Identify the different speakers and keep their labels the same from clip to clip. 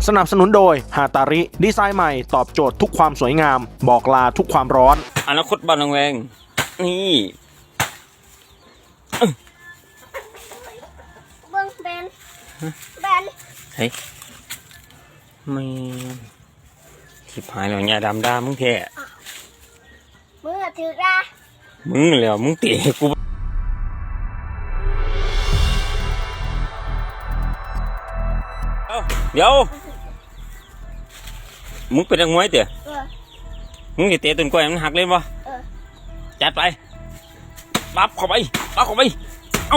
Speaker 1: สนับสนุนโดยฮาตาริดีไซน์ใหม่ตอบโจทย์ทุกความสวยงามบอกลาทุกความร้อน
Speaker 2: อนาคตบ้านนางแวงนี่
Speaker 3: เบิ้งแบน
Speaker 2: เฮ้ยไม่ทิพหายแล้วเนี่ยดำด่ามึงแท้
Speaker 3: มือถือดา
Speaker 2: มึงแล้วมึงเตะกูเดี๋ยวมึงเป็นนักมวยเตะมึงจะเตะต้นกล้วยมันหักเลยปะจัดไปปั๊บเข้าไปเอา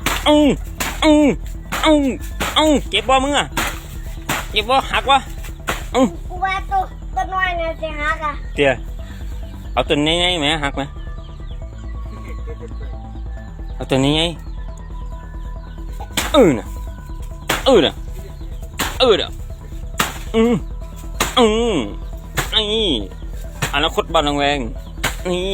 Speaker 2: เก็บบ่มึงอ่ะเก็บบ่หักวะ
Speaker 3: กูว่าตัวน้อยเนี่ยจะหักอ่ะ
Speaker 2: เตี้ยเอาตัวนี้ไงไหมหักไหมเอาตัวนี้ไงน่ะน่ะนี่อนาคตบ้านนางแวงนี่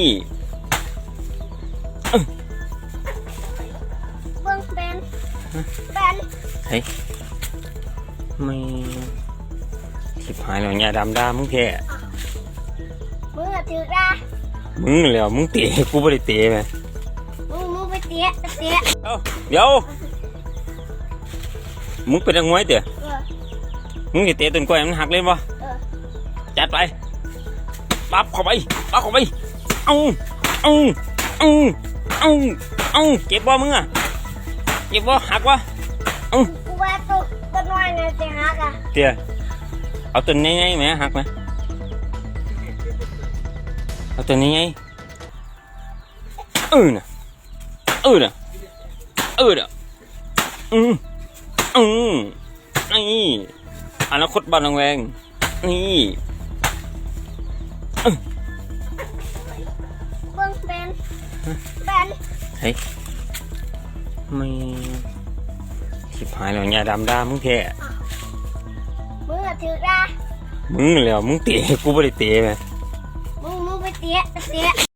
Speaker 3: เบิ้งแบน
Speaker 2: เฮ้ยไม่ทิพหายแล้วเนี่ยดำด่ามึงแท้
Speaker 3: มือถือดา
Speaker 2: มึงแล้วมึงเตะกูไม่ได้เตะไหม
Speaker 3: มึงไปเตะ
Speaker 2: เดี๋ยวมึงเป็นนักมวยเตะมึงจะเตะต้นกล้วยมันหักเลยปะจัดไปปั๊บเข้าไปเอาเก็บบ่มึงอ่ะเก็บบ่หักวะ
Speaker 3: กูว่าตัวน้อยเนี่ยจะหักอ่ะ
Speaker 2: เตี้ยเอาตัวนี้ไงไหมหักไหมเอาตัวนี้ไงน่ะนี่อนาคตบ้านนางแวงนี่
Speaker 3: เบิ้งแบน
Speaker 2: เฮ้ยไม่ทิพหายแล้วเนี่ยดำด่ามึงแท้
Speaker 3: มือถือดา
Speaker 2: มึงแล้วมึงเตะกูไม่ได้เตะไหม
Speaker 3: มึงไปเตะ